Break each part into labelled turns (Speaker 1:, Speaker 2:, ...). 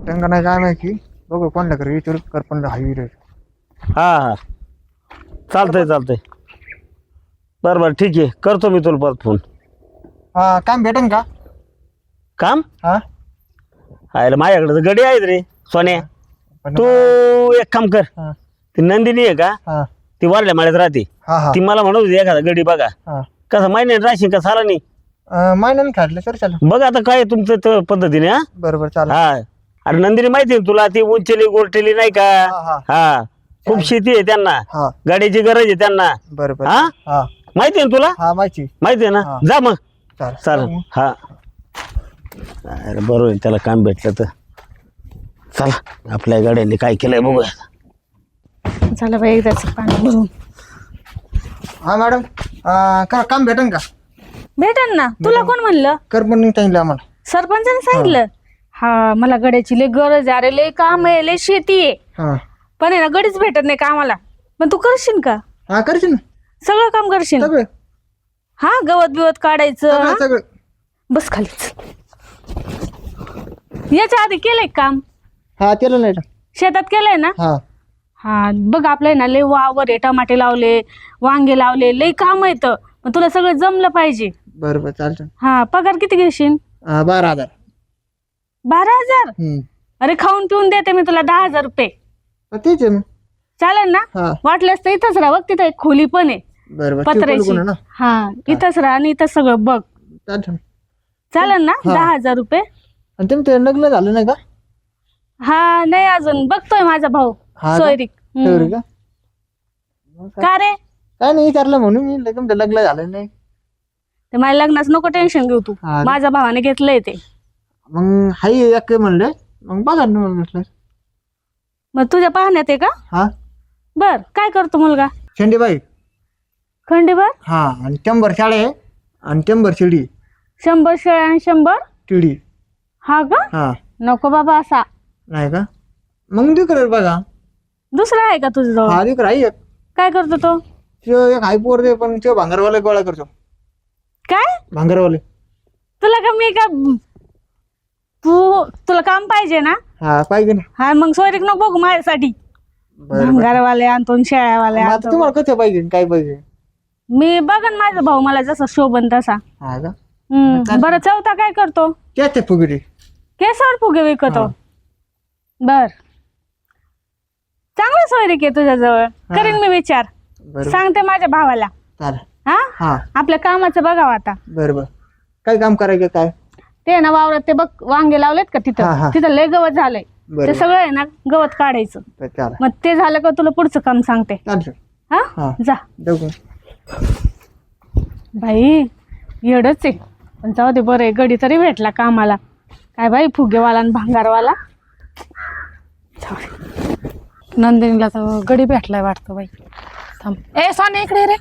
Speaker 1: त्यांना नाही काय माहिती बघू कोणला कर विचारू कर पण हायवी रे.
Speaker 2: हा हा चालतंय बरं ठीक आहे करतो मी तुला परत फोन.
Speaker 1: हा काम भेटेन का?
Speaker 2: काम
Speaker 1: हा
Speaker 2: आयला माझ्याकडे तर गडी आहेत रे सोन्या.
Speaker 1: पण
Speaker 2: तू एक काम कर
Speaker 1: हा
Speaker 2: ती नंदिनी आहे का
Speaker 1: हा
Speaker 2: ती वारल्या माळ्यात राहते.
Speaker 1: हा हा
Speaker 2: ती मला म्हणत होती एखादा गडी बघा
Speaker 1: हा
Speaker 2: कसं माहिती राशीन का साला नाही.
Speaker 1: महिन्यानं काढलं सर चालेल.
Speaker 2: बघ आता काय तुमचं तर पद्धतीने हा
Speaker 1: बरोबर चालेल.
Speaker 2: हा अरे नंदिनी माहिती आहे ना तुला ती उंचेली गोरटेली नाही का.
Speaker 1: हा
Speaker 2: हा खूप शेती आहे त्यांना
Speaker 1: हा
Speaker 2: गाडीची गरज आहे त्यांना.
Speaker 1: बरोबर
Speaker 2: हा
Speaker 1: हा
Speaker 2: माहिती आहे ना तुला
Speaker 1: हा माहिती
Speaker 2: माहिती आहे ना
Speaker 1: हा.
Speaker 2: जा मग
Speaker 1: चालेल
Speaker 2: चालेल हा अरे बरोबर आहे त्याला काम भेटलं तर चला आपल्या गाड्यांनी काय केलंय बघूया.
Speaker 3: झालं बाई एकदाच पाणी भरून.
Speaker 1: हा मॅडम काम भेटेन का?
Speaker 3: भेटन ना. तुला कोण म्हणलं?
Speaker 1: कर पण नाही सांगितलं आम्हाला.
Speaker 3: सरपंचाने सांगितलं. हा मला गड्याची लय गरज आहे. अरे लय काम आहे लय शेती आहे
Speaker 1: हा
Speaker 3: पण आहे ना गडीच भेटत नाही कामाला. पण तू करशील का?
Speaker 1: हा करशील ना
Speaker 3: सगळं काम करशील?
Speaker 1: सगळं
Speaker 3: हा गवत बिवत काढायचं.
Speaker 1: सगळं
Speaker 3: हा?
Speaker 1: सगळं.
Speaker 3: बस खालीच. याच्या आधी केलंय काम?
Speaker 1: हा केलं नाही
Speaker 3: शेतात केलंय ना?
Speaker 1: हा
Speaker 3: हा बघ आपलंय ना लय वावर आहे. टमाटे लावले वांगे लावले लय काम येत पण तुला सगळं जमलं पाहिजे.
Speaker 1: बरोबर चालतं.
Speaker 3: हा पगार किती घेशील?
Speaker 1: 12,000.
Speaker 3: 12,000? अरे खाऊन पिऊन देते मी तुला 10,000 रुपये.
Speaker 1: तेच आहे मग.
Speaker 3: चालेल ना?
Speaker 1: हा
Speaker 3: वाटल्यास तर इथंच राहा. बघ तिथं एक खोली पण आहे
Speaker 1: बरोबर
Speaker 3: पत्र्याची.
Speaker 1: ना
Speaker 3: हा इथंच राहा आणि इथं सगळं बघ.
Speaker 1: चालतं.
Speaker 3: चालेल ना?
Speaker 1: हा.
Speaker 3: 10,000 रुपये.
Speaker 1: आणि तुमचं लग्न झालं नाही का?
Speaker 3: हा नाही अजून बघतोय माझा भाऊ
Speaker 1: हा का?
Speaker 3: सोयरीक.
Speaker 1: तेवढी का?
Speaker 3: का रे?
Speaker 1: काय नाही विचारलं म्हणून मी तुमचं लग्न झालं नाही.
Speaker 3: ते माझ्या लग्नाचं नको टेन्शन घेऊ तू.
Speaker 1: हा.
Speaker 3: माझ्या भावाने घेतलंय ते.
Speaker 1: मग हाई एक म्हणलं मग बघा ना मग म्हटलं.
Speaker 3: मग तुझ्या पाहण्यात आहे का?
Speaker 1: हा
Speaker 3: बर काय करतो मुलगा?
Speaker 1: शेंडीबाई.
Speaker 3: खंडीभर?
Speaker 1: हा आणि 100 शाळे आहे आणि 100 शिडी
Speaker 3: 100 शेळ्या आणि 100
Speaker 1: टिडी.
Speaker 3: हा का?
Speaker 1: हा
Speaker 3: नको बाबा असा.
Speaker 1: नाही का? मग दिकर बघा.
Speaker 3: दुसरा आहे का तुझं जवळ?
Speaker 1: हा दिकर आहे एक.
Speaker 3: काय करतो तो?
Speaker 1: त्यो एक हाय पोर दे पण त्यो भांगरवाले गोळा करतो.
Speaker 3: काय
Speaker 1: भांगरवाले.
Speaker 3: तुला का मी का तुला काम पाहिजे ना?
Speaker 1: हा पाहिजे ना.
Speaker 3: हा मग सोयरीक नको बघू माझ्यासाठी. भंगारवाले आणतो शेळ्यावाले
Speaker 1: आता
Speaker 3: आणतो.
Speaker 1: तुम्हाला कसं पाहिजे काय पाहिजे?
Speaker 3: मी बघन माझा भाऊ मला जसा शोभन तसा.
Speaker 1: हा का?
Speaker 3: बरं चौथा काय करतो?
Speaker 1: त्याच फुगडी.
Speaker 3: केसावर फुगे विकतो. बर चांगला सोयरीक आहे तुझ्याजवळ. करीन मी विचार.
Speaker 1: बरोबर
Speaker 3: सांगते माझ्या भावाला.
Speaker 1: चालेल.
Speaker 3: हा
Speaker 1: हा
Speaker 3: आपल्या कामाचं बघावं आता.
Speaker 1: बरोबर. काय काम करायचं काय?
Speaker 3: ते ना वावरात ते बघ वांगे लावलेत का
Speaker 1: हा,
Speaker 3: तिथं
Speaker 1: हा.
Speaker 3: तिथं लय गवत झालंय. ते
Speaker 1: बरोबर
Speaker 3: सगळं आहे ना गवत काढायचं.
Speaker 1: चालेल.
Speaker 3: मग ते झालं का तुला पुढचं काम सांगते.
Speaker 1: चालतं.
Speaker 3: हा
Speaker 1: हा.
Speaker 3: जा.
Speaker 1: बघू.
Speaker 3: बाई येडच आहे पण जाऊ दे बरं आहे गडी तरी भेटला कामाला. काय बाई फुगेवाला आणि भांगारवाला. जाऊ दे. नंदिनीला तर गडी भेटलाय वाटतं बाई. थांब ए सोने इकडे रे.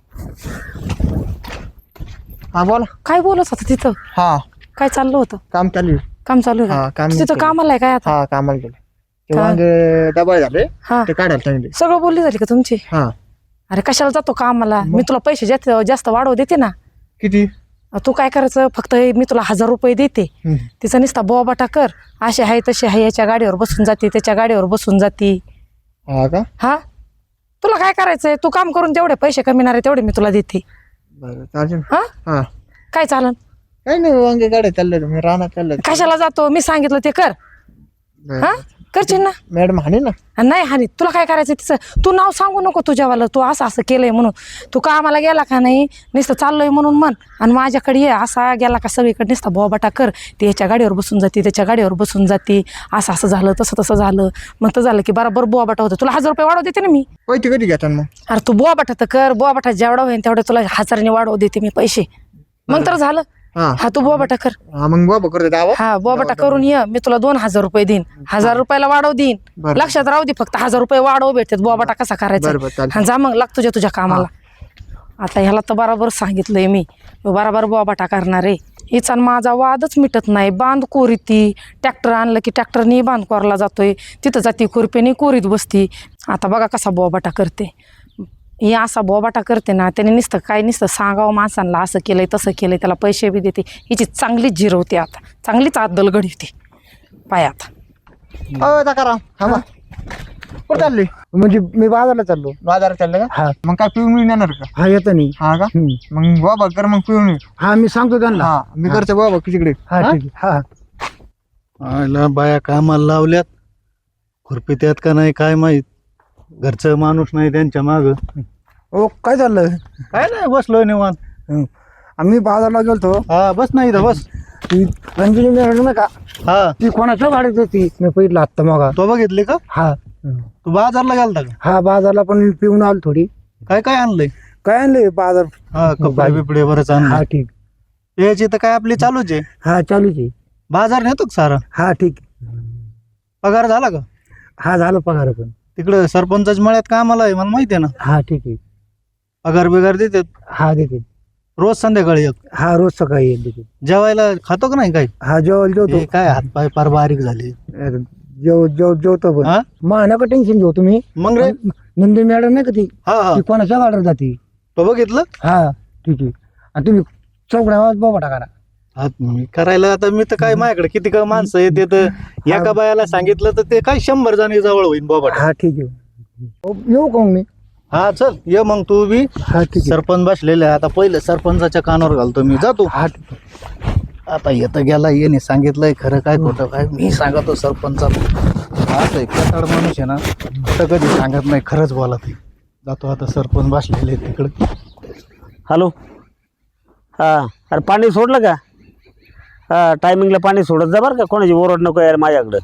Speaker 1: हा बोला.
Speaker 3: काय बोलत होतं तिथं?
Speaker 1: हा
Speaker 3: काय चाललं होतं?
Speaker 1: काम चालू आहे.
Speaker 3: काम चालू आहे
Speaker 1: हा,
Speaker 3: का?
Speaker 1: काम
Speaker 3: तिथं
Speaker 1: चालू.
Speaker 3: कामाला आहे काय आता?
Speaker 1: हा कामाला गेले ते
Speaker 3: काय?
Speaker 1: वांगे डबल झाले
Speaker 3: हा
Speaker 1: ते काढायला सांगितले.
Speaker 3: सगळं बोलली झाली का तुमची?
Speaker 1: हा
Speaker 3: अरे कशाला जातो कामाला? मी तुला पैसे जास्त वाढव देते ना.
Speaker 1: किती?
Speaker 3: तू काय करायचं फक्त मी तुला 1,000 रुपये देते. तिचा नुसता बोबाटा कर. असे आहे तसे आहे. याच्या गाडीवर बसून जाते त्याच्या गाडीवर बसून जाते.
Speaker 1: हा का?
Speaker 3: हा तुला काय करायचंय? तू काम करून जेवढे पैसे कमिणार आहे तेवढे मी तुला देते.
Speaker 1: बरं चालेल.
Speaker 3: हा
Speaker 1: हा
Speaker 3: काय चालन?
Speaker 1: काही नाही वांगे काढायला चाललं मी रानात चाललं.
Speaker 3: कशाला जातो? मी सांगितलं ते कर. हा करशील ना?
Speaker 1: मॅडम हाणे ना.
Speaker 3: नाही हानी तुला काय करायचं तिचं तू नाव सांगू नको तुझ्यावाला. तू असं असं केलंय म्हणून. तू कामाला गेला का नाही नुसतं चाललोय म्हणून म्हण आणि माझ्याकडे ये. असा गेला का सगळीकडे नुसता बोबाटा कर. ती याच्या गाडीवर बसून जाते त्याच्या गाडीवर बसून जाते. असं असं झालं तसं झालं. मग तर झालं की बरोबर बोबाटा होतं. तुला 1,000 रुपये वाढव देते ना मी.
Speaker 1: पैसे कधी घेतात मग?
Speaker 3: अरे तू बोबाटा तर कर. बोबाटा जेवढा होईल तेवढे तुला 1,000ने वाढव देते मी पैसे. मग तर झालं.
Speaker 1: हा
Speaker 3: हा तू बोबाटा कर.
Speaker 1: हा मग बाबा करतो दावा.
Speaker 3: हा बोबाटा करून ये. मी तुला 2,000 रुपये देईन. 1,000 रुपयाला वाढव देईन.
Speaker 1: बरं.
Speaker 3: लक्षात राहू दे फक्त 1,000 रुपये वाढव भेटतात. बोबाटा कसा करायचा?
Speaker 1: बरं, चालेल.
Speaker 3: हा जा मग लाग तुझ्या कामाला. आता ह्याला तर बरोबर सांगितलंय मी. बरोबर बोबाटा करणार आहे. हिचा माझा वादच मिटत नाही. बांध कोरी ती. ट्रॅक्टर आणलं की ट्रॅक्टरनी बांध कोरला जातोय. तिथं जाती खुरप्यानी कोरीत बसती. आता बघा कसा बोबाटा करते. ही असा बोबाटा करते ना त्याने नुसतं सांगावं माणसांना असं केलंय तसं केलंय. त्याला पैसे बी देते. हिची चांगलीच जिरवते आता. चांगलीच आदल घडवते पायात.
Speaker 1: सकाराम थांबा कुठं चालली
Speaker 4: म्हणजे मी बाजारला चाललो.
Speaker 1: बाजारात चाललं का
Speaker 4: हा
Speaker 1: मग काय पिऊन येऊन येणार का
Speaker 4: हा येतो नाही.
Speaker 1: हा का मग बाबा कर मग पिऊन ये.
Speaker 4: हा मी सांगतो त्यांना.
Speaker 1: हा मी करतो बाबा तिकडे
Speaker 4: हा ठीक आहे. हा
Speaker 2: आयला बाया कामाला लावल्यात खुरपी त्यात का नाही काय माहित. घरचं माणूस नाही त्यांच्या माग.
Speaker 4: ओ काय चाललं.
Speaker 2: काय नाही बसलोय निवांत.
Speaker 4: आम्ही बाजारला गेलतो.
Speaker 2: हा बस नाही इथं बस.
Speaker 4: ती रंजनी मॅडम नाही का
Speaker 2: हा
Speaker 4: ती कोणाच्या गाडीत होती मी पहिलं आत्ता मग.
Speaker 2: तो बघितली का
Speaker 4: हा
Speaker 2: तू बाजारला गेलता का
Speaker 4: हा बाजारला पण पिऊन आलो थोडी.
Speaker 2: काय काय आणलंय.
Speaker 4: काय आणले बाजार.
Speaker 2: हा कपडे बिपडे बरंच
Speaker 4: हा
Speaker 2: आणलं.
Speaker 4: ठीक.
Speaker 2: याची तर काय आपली चालूच आहे.
Speaker 4: हा चालूच आहे.
Speaker 2: बाजार नेतो का सारा.
Speaker 4: हा ठीक.
Speaker 2: पगार झाला का.
Speaker 4: हा झालं पगार पण.
Speaker 2: तिकडे सरपंचाच्या मळ्यात कामाला आहे मला माहिती आहे ना.
Speaker 4: हा ठीक आहे.
Speaker 2: पगार बिगार देतात
Speaker 4: हा देते.
Speaker 2: रोज संध्याकाळी एक.
Speaker 4: हा रोज सकाळी येईल देते.
Speaker 2: जेवायला खातो का नाही काय.
Speaker 4: हा जेवायला जेवतो.
Speaker 2: हे काय हातपाय फार बारीक झाले.
Speaker 4: जेवतो पण.
Speaker 2: हा
Speaker 4: मा नका टेन्शन घेऊ तुम्ही.
Speaker 2: मग रे.
Speaker 4: नंदिनी मॅडम नाही का ती
Speaker 2: हा हा
Speaker 4: ती कोणाच्या गाडीवर जाते.
Speaker 2: तो बघितलं.
Speaker 4: हा ठीक आहे. आणि तुम्ही चौकड्या आवाज बाबा टाका.
Speaker 2: हा, मी करायला आता मी तर काय माझ्याकडे किती का माणसं येते तर एका बायाला सांगितलं तर ते काय 100 जणी जवळ होईल बाबा.
Speaker 4: हा ठीक आहे. येऊ का मग मी.
Speaker 2: हा चल ये मग तू बी.
Speaker 4: हा ठीक आहे.
Speaker 2: सरपंच बसलेले आहे. आता पहिले सरपंचाच्या कानावर घालतो मी जातो.
Speaker 4: हा ठीक आहे.
Speaker 2: आता येतं गेला येणे सांगितलंय खरं काय खोटं काय मी सांगतो सरपंचाला. असं एक कटाड माणूस आहे ना कुठं कधी सांगत नाही खरंच बोला ते. जातो आता सरपंच बसलेले तिकडे.
Speaker 5: हॅलो. हां अरे पाणी सोडलं का. हां टायमिंगला पाणी सोडत जा बरं का. कोणाची ओरड नको यार माझ्याकडं.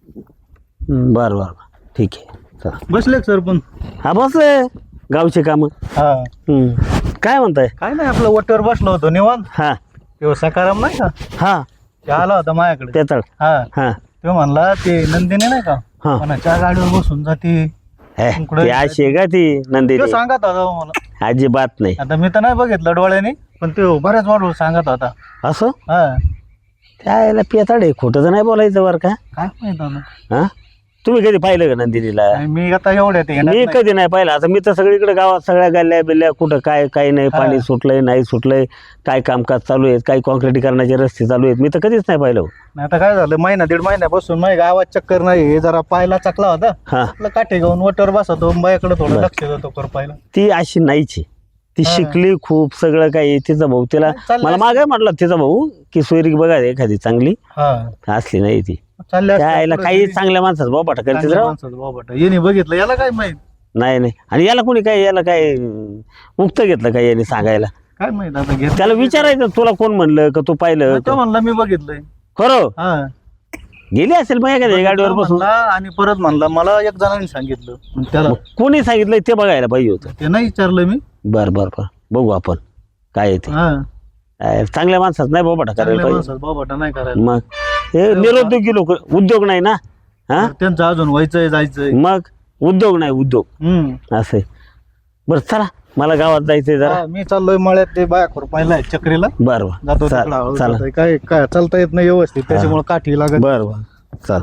Speaker 5: बरं बरं बरं ठीक आहे चला.
Speaker 2: बसले का सरपंच.
Speaker 5: हा बसले गावचे कामं.
Speaker 2: हा
Speaker 5: काय म्हणताय.
Speaker 2: काय नाही आपलं वट्यावर बसलो होतो निवांत.
Speaker 5: हां
Speaker 2: तो सकाराम नाही का
Speaker 5: हां
Speaker 2: ते आला होता माझ्याकडे.
Speaker 5: तेतळ.
Speaker 2: हा
Speaker 5: हां
Speaker 2: तो म्हणला ते नंदिनी नाही का
Speaker 5: हा.
Speaker 2: कोणाच्या गाडीवर बसून जाते.
Speaker 5: हे ती अशी आहे का ती नंदिनी.
Speaker 2: तो सांगत होता मला.
Speaker 5: अजिबात नाही.
Speaker 2: आता मी तर नाही बघितलं डोळ्याने पण तो बऱ्याच वाढवून सांगत होता.
Speaker 5: असं
Speaker 2: हा
Speaker 5: त्याला पेताड आहे. खोटं तर नाही बोलायचं बरं का.
Speaker 2: काय माहित आता.
Speaker 5: हां तुम्ही कधी पाहिलं का नंदिनीला.
Speaker 2: नाही, मी आता एवढ्या ते
Speaker 5: मी कधी नाही पाहिलं. आता मी तर सगळीकडे गावात सगळ्या गल्ल्या बिल्ल्या कुठं काय काही नाही. पाणी सुटलंय नाही सुटलंय काय कामकाज चालू आहेत काही कॉन्क्रिटीकरणाचे रस्ते चालू आहेत मी तर कधीच नाही पाहिलं.
Speaker 2: आता काय झालं महिना दीड महिन्यापासून माझ्या गावात चक्कर नाही. हे जरा पायला चकला होता.
Speaker 5: हां
Speaker 2: आपलं काठी घेऊन वटर बसवतो माझ्याकडे थोडं लक्ष देतो कर पाहिला.
Speaker 5: ती अशी नाहीची. ती शिकली खूप सगळं काही. तिचा भाऊ तिला
Speaker 2: चाललंय.
Speaker 5: मला मागे म्हटलं तिचा भाऊ की सोयरी बघा एखादी चांगली
Speaker 2: हा
Speaker 5: असली नाही ती.
Speaker 2: चालले
Speaker 5: त्याला काही चांगल्या माणसाचं बाबा करते राव.
Speaker 2: येणे बघितलं याला काय माहित.
Speaker 5: नाही नाही. आणि याला कोणी काय याला काय मुक्त घेतलं काय याने सांगायला.
Speaker 2: काय माहित आता घेत.
Speaker 5: त्याला विचारायचं तुला कोण म्हणलं का तू पाहिलं
Speaker 2: तो म्हणला मी बघितलंय.
Speaker 5: खरं
Speaker 2: हा
Speaker 5: गेली असेल मग एखाद्या गाडीवर बसून.
Speaker 2: म्हणला आणि परत म्हणला मला एक जणांनी सांगितलं. मग त्याला
Speaker 5: कोणी सांगितलं ते बघायला पाहिजे होतं.
Speaker 2: ते नाही विचारलं मी.
Speaker 5: बर बर बर बघू आपण काय आहे ते.
Speaker 2: हा
Speaker 5: चांगल्या माणसात नाही बाबा करायला
Speaker 2: चांगल्या
Speaker 5: पाहिजे.
Speaker 2: माणसात बाबाटा नाही करायला.
Speaker 5: मग हे निरुद्योगी लोक उद्योग नाही ना. हा
Speaker 2: त्यांचं अजून व्हायचंय जायचंय.
Speaker 5: मग उद्योग नाही उद्योग असं आहे. बरं चला मला गावात जायचंय जरा.
Speaker 2: हा, मी चाललोय मळ्यात ते बाया खुरपायला चक्रीला
Speaker 5: बरं
Speaker 2: जातो.
Speaker 5: बरं
Speaker 2: तिकडं हळू
Speaker 5: चला
Speaker 2: जातोय. काय काय चालता येत नाही व्यवस्थित त्याच्यामुळे काठी लागत.
Speaker 5: बरं बरं चल.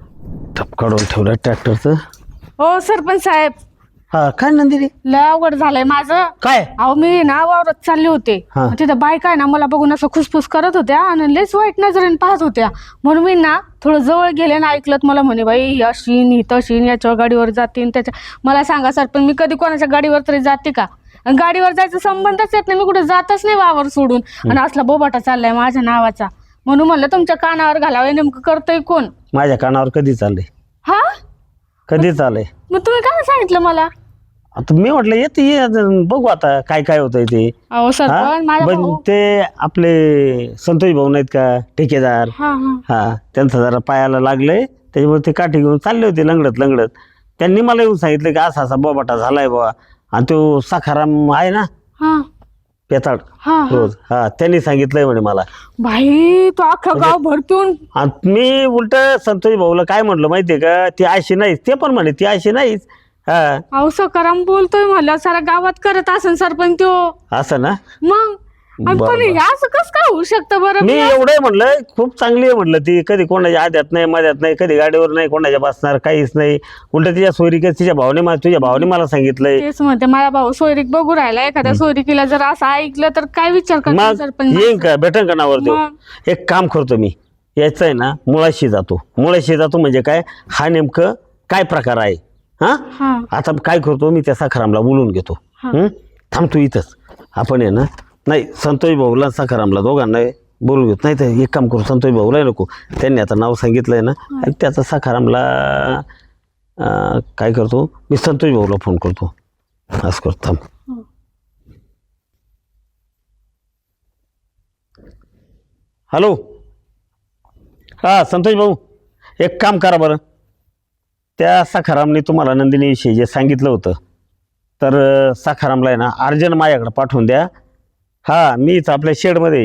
Speaker 5: ठप काढून ठेवलं ट्रॅक्टरचं.
Speaker 3: हो सरपंच साहेब
Speaker 5: हा काय नंदिनी
Speaker 3: लय अवघड झालंय माझं.
Speaker 5: काय.
Speaker 3: अहो मी ना वावरात चालले होते.
Speaker 5: हा.
Speaker 3: तिथं बायका आहे ना मला बघून असं खुसफुस करत होत्या आणि लयच वाईट नजरेने पाहत होत्या. म्हणून मी ना थोडं जवळ गेले ना ऐकलं मला म्हणे बाई ही अशीन ही तशीन याच्यावर गाडीवर जातीन त्याच्या. मला सांगा सरपंच मी कधी कोणाच्या गाडीवर तरी जाते का. आणि गाडीवर जायचा संबंधच येत नाही. मी कुठे जातच नाही वावर सोडून. आणि असला बोबाटा चाललाय माझ्या नावाचा. म्हणून म्हणलं तुमच्या कानावर घालावं नेमकं करतोय कोण.
Speaker 5: माझ्या कानावर कधी चाललंय.
Speaker 3: हा
Speaker 5: कधी चाललंय.
Speaker 3: मग तुम्ही काय सांगितलं मला.
Speaker 5: आता मी म्हटलं येते ये बघू आता काय काय होतंय ते.
Speaker 3: अहो
Speaker 5: हा?
Speaker 3: सरपंच माझा
Speaker 5: पण
Speaker 3: भाऊ.
Speaker 5: ते आपले संतोष भाऊ नाहीत का ठेकेदार.
Speaker 3: हा हा
Speaker 5: हा त्यांचं जरा पायाला लागलंय त्याच्यामुळे ते काठी घेऊन चालले होते लंगडत लंगडत. त्यांनी मला येऊन सांगितलं की असा असा बोबाटा झालाय बाबा. आणि तो सखाराम आहे ना
Speaker 3: हा
Speaker 5: पेताड
Speaker 3: हा हा.
Speaker 5: रोज हा त्यांनी सांगितलंय म्हणे मला.
Speaker 3: भाई तो अख्खं गाव भरतून.
Speaker 5: आणि मी उलट संतोष भाऊला काय म्हटलं माहितीये का ती अशी नाहीच. ते पण म्हणे ती अशी नाहीच. हा
Speaker 3: अहो सकाराम बोलतोय मला सारा गावात करत असेल सरपंच त्यो.
Speaker 5: असं ना.
Speaker 3: मग आणि
Speaker 5: बरं,
Speaker 3: पण
Speaker 5: बरं.
Speaker 3: हे असं कसं काय होऊ शकतं बरं.
Speaker 5: मी एवढं म्हणलं खूप चांगली आहे म्हटलं ती. कधी कोणाच्या आद्यात नाही मध्यात नाही कधी गाडीवर नाही कोणाच्या बसणार काहीच नाही. उलट तिच्या सोयरिक तिच्या भावने तुझ्या भावाने मला सांगितलंय.
Speaker 3: तेच म्हणते माझा भाऊ सोयरीक बघू राहिला. एखाद्या सोयरिकीला जर असं ऐकलं तर काय विचार करतो
Speaker 5: मग
Speaker 3: सरपंच.
Speaker 5: येईन का भेटन का नावर देऊ.
Speaker 3: मग.
Speaker 5: एक काम करतो मी याचा आहे ना मुळाशी जातो म्हणजे काय हा नेमकं काय प्रकार आहे हा. आता काय करतो मी त्या सखारामला बोलून घेतो. थांबतो इथंच आपण आहे ना. नाही संतोष भाऊला सखारामला दोघांना बोलून घेतो. नाही तर एक काम करू संतोष भाऊला नको त्यांनी आता नाव सांगितलंय ना आणि त्याचा सखारामला काय करतो मी संतोष भाऊला फोन करतो. असं करतो थांब. हॅलो हां संतोष भाऊ एक काम करा बरं. त्या सखारामने तुम्हाला नंदिनीविषयी जे सांगितलं होतं तर सखारामला आहे ना अर्जंट माझ्याकडे पाठवून द्या. हां मीच आपल्या शेडमध्ये.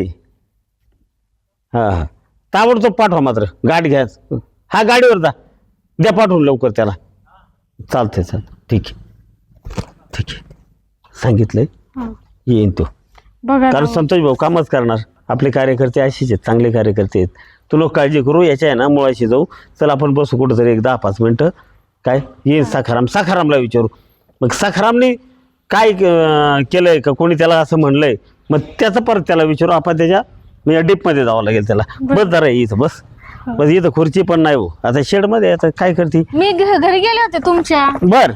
Speaker 5: हां ताबडतोब पाठवा मात्र गाडी घ्या. हा गाडीवर जा द्या पाठवून लवकर त्याला. चालतंय ठीक आहे सांगितलंय येईन तो. कारण संतोष भाऊ कामच करणार. आपले कार्यकर्ते असेच आहेत चांगले कार्यकर्ते आहेत. तू लोक काळजी करू याच्या आहे ना मुळाशी जाऊ. चल आपण बसू कुठंतरी एक 10-5 मिनटं. काय येईन सखारामला विचारू. मग सखारामने काय केलंय का कोणी त्याला असं म्हणलंय मग त्याचं परत त्याला विचारू आपण. त्याच्या म्हणजे डीपमध्ये जावं लागेल त्याला. बस जरा इथं बस इथं खुर्ची पण नाही हो आता शेडमध्ये. आता काय करते
Speaker 6: मी घरी गेले होते तुमच्या.
Speaker 5: बर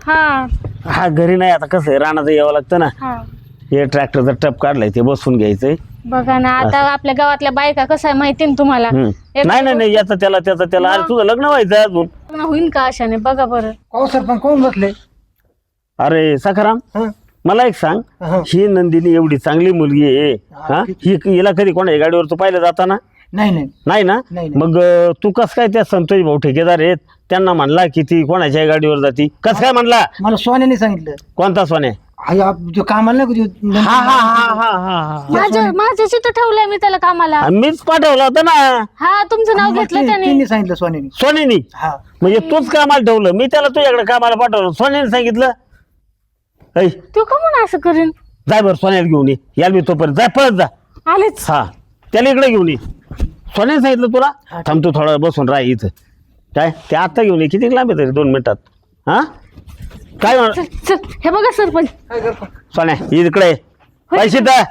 Speaker 6: हा
Speaker 5: घरी नाही. आता कसं आहे रानाचं यावं लागतं ना. हे ट्रॅक्टरचा टप काढलाय ते बसून घ्यायचंय.
Speaker 6: बघा ना आता आपल्या गावातल्या बायका कसं आहे माहिती ना तुम्हाला.
Speaker 5: नाही याचं त्याला अरे तुझं लग्न व्हायचं अजून.
Speaker 6: लग्न होईल का अशाने बघा बरं.
Speaker 4: हो सरपंच कोण बसले?
Speaker 5: अरे सखाराम मला एक सांग ही नंदिनी एवढी चांगली मुलगी आहे हा हिला कधी कोणाच्या गाडीवर तू पाहिलं जाताना? नाही ना. मग तू कस काय त्या संतोष भाऊ ठेकेदार आहेत त्यांना म्हणला की ती कोणाच्या गाडीवर जाती कस काय म्हणला?
Speaker 4: मला सोन्याने सांगितलं.
Speaker 5: कोणता सोन्या?
Speaker 4: जो कामाला नाही
Speaker 6: माझ्या तिथं ठेवलंय मी त्याला कामाला.
Speaker 5: मीच पाठवला होता ना.
Speaker 6: हा तुमचं नाव घेतलं त्याने.
Speaker 4: त्यांनी सांगितलं सोन्याने. हा
Speaker 5: म्हणजे तूच कामाला ठेवलं मी त्याला तुझ्याकडे कामाला पाठवलं सोन्याने सांगितलं.
Speaker 6: तू का म्हणून असं करेन?
Speaker 5: जाय बरं सोन्याला घेऊन ये. याल मी तोपर्यंत जाय पळत जा.
Speaker 6: आलेच.
Speaker 5: हा त्याला इकडे घेऊन ये. सोन्याने सांगितलं तुला? थांब तू थोडा बसून राह इथं. काय ते आता घेऊन ये. किती लांब आहे तरी 2 मिनिटात. हा काय
Speaker 6: चल हे बघा सरपंच
Speaker 5: सोन्या इकडे पैसे द्या.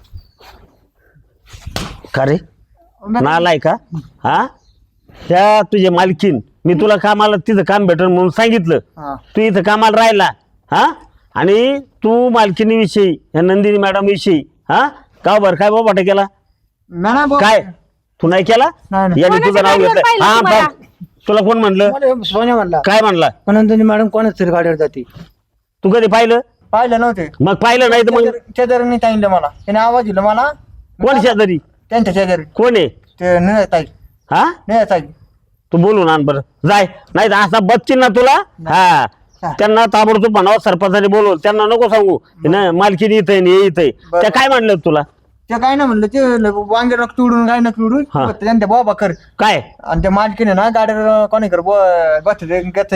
Speaker 5: का रे नालाय का? हा त्या तुझे मालकीन मी तुला कामाला तिथं काम भेटल म्हणून सांगितलं. तू इथं कामाला राहिला हा आणि तू मालकीनीविषयी ह्या नंदिनी मॅडम विषयी हा का बरं काय बाबा केला काय? तू नाही केला याने तुझं नाव घेतलं. हा तुला कोण म्हणलं?
Speaker 4: सोन्या म्हणला.
Speaker 5: काय म्हणला?
Speaker 4: नंदिनी मॅडम कोणाच तरी गाडीवर जाते.
Speaker 5: तू कधी पाहिलं
Speaker 1: नव्हते.
Speaker 5: मग पाहिलं नाही तर मग
Speaker 1: शेजाऱ्यांनी सांगितलं मला. त्याने आवाज दिला मला.
Speaker 5: कोण शेजारी?
Speaker 1: त्यांच्या शेजारी.
Speaker 5: कोण आहे
Speaker 1: ते निळताई.
Speaker 5: हा
Speaker 1: निळताई
Speaker 5: तू बोलून आण बरं जाय. नाही तर असा बच्ची ना तुला. हा त्यांना ताबडतोब म्हणावं सरपंचाने बोलव. त्यांना नको सांगू ना मालकीने येतय येतय. त्या काय म्हणलं तुला?
Speaker 1: ते काय ना म्हणलं ते वांगे नक तुडून काय नक तुडून त्यांच्या बाबा कर
Speaker 5: काय
Speaker 1: आणि त्या मालकीने ना गाडीवर कोणी कर बस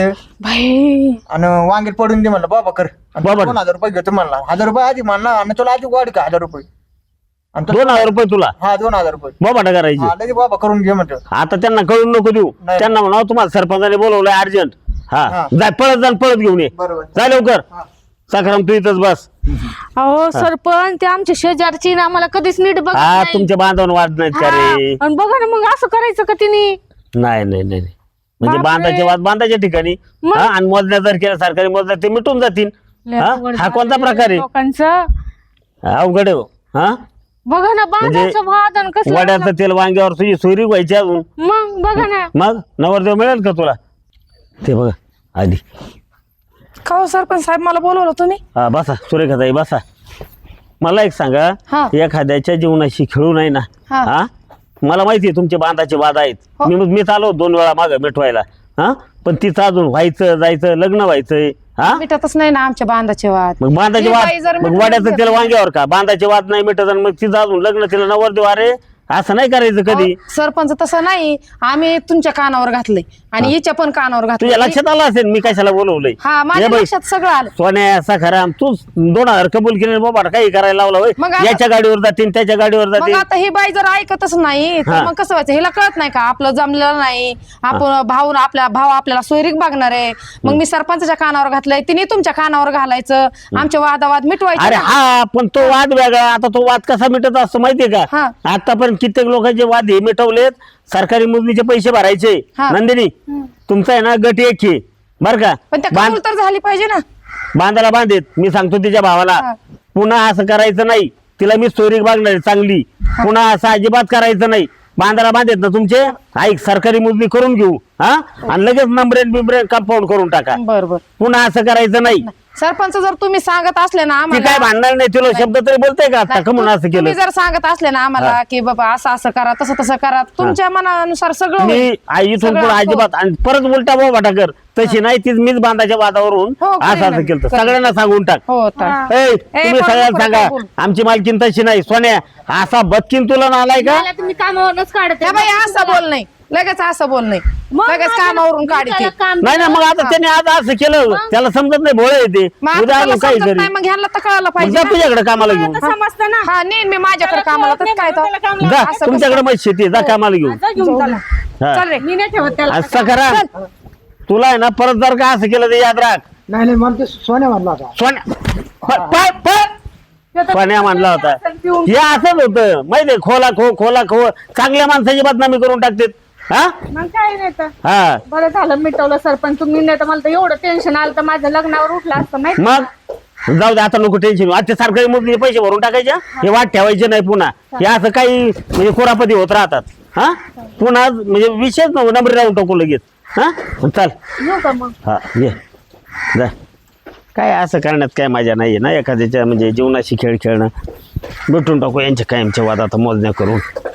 Speaker 3: भाई
Speaker 1: आणि वांगे पडून दे म्हणलं बाबा कर. 2000 रुपये घेतो म्हणला. 1000 रुपये आधी म्हणला आणि तुला आधी वाढ का 1000 रुपये.
Speaker 5: 2000 रुपये तुला?
Speaker 1: हा 2000 रुपये
Speaker 5: बाबा करायची.
Speaker 1: लगे बाबा करून घे म्हणतो.
Speaker 5: आता त्यांना कळून नको देऊ. त्यांना म्हणावं तुम्हाला सरपंचाने बोलवलंय अर्जंट. हा जाय पळत घेऊन ये.
Speaker 1: बरोबर
Speaker 5: जाय लवकर. सखाराम तू इथंच बस.
Speaker 6: अहो सरपंच ते आमच्या शेजारची ना आम्हाला कधीच नीट बघत
Speaker 5: हा
Speaker 6: नाही.
Speaker 5: तुमच्या बांधवांना वाद नाहीत का रे?
Speaker 6: आणि बघा ना मग असं करायचं का तिने?
Speaker 5: नाही म्हणजे
Speaker 6: बापरे.
Speaker 5: बांधाचे वाद बांधाच्या ठिकाणी हा आणि मोजण्या जर केल्या सरकारी मोजण्या ते मिटून जातील. हा कोणता प्रकार आहे?
Speaker 6: लोकांचं
Speaker 5: अवघड आहे हो. हा
Speaker 6: बघा ना बांधाचं वाद आणि कसं
Speaker 5: वड्याचं तेल वांग्यावर तुझी सोयरी व्हायची अजून.
Speaker 6: मग बघा ना.
Speaker 5: मग नवरदेव मिळेल का तुला? ते बघा आधी.
Speaker 3: का हो सरपंच साहेब मला बोलवलं तुम्ही?
Speaker 5: हा बसा सुरेखाताई बसा. मला एक सांगा एखाद्याच्या जीवनाशी खेळू नाही ना. हा मला माहितीये तुमचे बांधाचे वाद आहेत. मीच आलो 2 वेळा मागं मिटवायला. हा पण तिचं अजून व्हायचं जायचं लग्न व्हायचंय. हा
Speaker 3: मिटतच नाही ना आमच्या बांधाचे वाद.
Speaker 5: मग बांधाचे वाद मग वड्याचं तेल वांग्यावर का? बांधाचे वाद नाही मिटत आणि मग तिचं अजून लग्न तिला नवरदेव. अरे असं नाही करायचं कधी.
Speaker 3: सरपंच तसं नाही. आम्ही तुमच्या कानावर घातलंय आणि हिच्या पण कानावर घातलं.
Speaker 5: तुझ्या लक्षात आलं असेल मी कशाला बोलवलंय.
Speaker 3: हा माझ्या लक्षात सगळं आलं.
Speaker 5: सोन्या सखाराम तू 2000 कबूल केले बाबा काही करायला लावला होय.
Speaker 3: मग
Speaker 5: याच्या गाडीवर जातील त्याच्या गाडीवर
Speaker 3: मग
Speaker 5: जातील.
Speaker 3: आता ही बाई जर ऐकतच नाही तर मग कसं व्हायचं? हिला कळत नाही का आपलं जमलेलं नाही. आपण भाऊ आपल्याला सोयरीक बघणार आहे. मग मी सरपंचाच्या कानावर घातलंय तिने तुमच्या कानावर घालायचं. आमचे वादावाद मिटवायचे.
Speaker 5: अरे हा पण तो वाद वेगळा. आता तो वाद कसा मिटत असतो माहितीये का? आतापर्यंत कित्येक लोकांचे वाद हे मिटवलेत. सरकारी मोजणीचे पैसे भरायचे.
Speaker 3: हा.
Speaker 5: नंदिनी तुमचा आहे ना गट एक आहे बर का.
Speaker 3: पण त्या कबूल तर झाली पाहिजे ना.
Speaker 5: बांधाला बांधेत. मी सांगतो तिच्या भावाला पुन्हा असं करायचं नाही. तिला मी स्टोरी बघणार आहे चांगली. पुन्हा असं अजिबात करायचं नाही. बांधाला बांधेत ना तुमचे. ऐक सरकारी मोजणी करून घेऊ हा आणि लगेच नंबरेन बिंबरेन कंपाऊंड करून टाका.
Speaker 3: बरोबर.
Speaker 5: पुन्हा असं करायचं नाही.
Speaker 3: सरपंच जर तुम्ही सांगत असले ना
Speaker 5: ती
Speaker 3: आम्हाला,
Speaker 5: काय भांडणार नाही. तुला शब्द तरी बोलताय का आता कमून असं
Speaker 3: तुम्ही
Speaker 5: केलं.
Speaker 3: जर सांगत असले ना आम्हाला की बाबा असं असं करा तसं तसं करा, तुमच्या मनानुसार सगळं
Speaker 5: मी
Speaker 3: होईल.
Speaker 5: आई इथून
Speaker 3: सगळं
Speaker 5: पुढे
Speaker 3: हो.
Speaker 5: अजिबात आणि परत उलटा बोबाटा कर तशी नाही. तीच मीच बांधाच्या वादावरून
Speaker 3: हो,
Speaker 5: असं
Speaker 3: करेन
Speaker 5: असं
Speaker 3: ना,
Speaker 5: केलं.
Speaker 3: करेन.
Speaker 5: सगळ्यांना सांगून टाक.
Speaker 3: हो तर
Speaker 5: ए, तुम्ही
Speaker 3: कोण
Speaker 5: सगळ्यांना
Speaker 3: नको
Speaker 5: सांगा
Speaker 3: काय बोलू.
Speaker 5: आमची मालकीन तशी नाही. सोन्या असा बदकीन तुला नालाय का.
Speaker 6: मला तुम्ही कामावरूनच काढते.
Speaker 3: त्या बाई असं बोल नाही, लगेच असं बोल नाही,
Speaker 6: मग
Speaker 3: लगेच
Speaker 6: माझं-
Speaker 3: कामावरून
Speaker 6: मी
Speaker 3: काढते.
Speaker 6: त्याला काम
Speaker 5: नाही ना मग आता त्याने आज असं केलं त्याला समजत नाही. भोळे येते
Speaker 3: मग आता
Speaker 5: उद्या
Speaker 3: त्याला
Speaker 5: अजून काही
Speaker 3: समजत
Speaker 5: करी.
Speaker 3: नाही, मग ह्यांना तर कळायला
Speaker 5: मग
Speaker 3: पाहिजे
Speaker 5: जा
Speaker 3: ना.
Speaker 5: तुझ्याकडे कामाला घेऊन.
Speaker 6: आता समजतं ना.
Speaker 3: हा नेन मी माझ्याकडे कामाला तर काय तर.
Speaker 5: जा
Speaker 3: असं
Speaker 5: तुमच्याकडे मग शेती आहे, जा कामाला घेऊन.
Speaker 6: जा घेऊन चला.
Speaker 5: हा.
Speaker 3: चल रे.
Speaker 6: मी नाही ठेवत त्याला.
Speaker 5: असं करा. तुला आहे ना परत जर का असं केलं तर याद राख.
Speaker 4: नाही मला ते सोन्या म्हणला होता.
Speaker 5: सोन्या सोन्या म्हणला होता. हे असंच होतं माहितीये. खोला खो चांगल्या माणसाची बदनामी करून टाकतात. हा
Speaker 6: मग काय नाही तर.
Speaker 5: हा
Speaker 6: बरं झालं मिटवलं सरपंच तुम्ही, नाही तर मला तर एवढं टेन्शन आलं तर माझ्या लग्नावर उठलं असतं माहिती.
Speaker 5: मग जाऊ दे आता नको टेन्शन. आता सरकारी मोजणीचे पैसे भरून टाकायचे. हे वाट ठेवायचे नाही पुन्हा. हे असं काही म्हणजे कोरापती होत राहतात. हा पुन्हा म्हणजे विशेष नंबरी राहून टाकू लगेच. हा चाल
Speaker 6: येऊ का मग.
Speaker 5: हा ये जा. काय असं करण्यात काय मजा नाहीये ना. एखाद्याच्या म्हणजे जीवनाशी खेळ खेळणं. भेटून टाकू यांच्या कायमच्या वाद आता मोजण्या करून.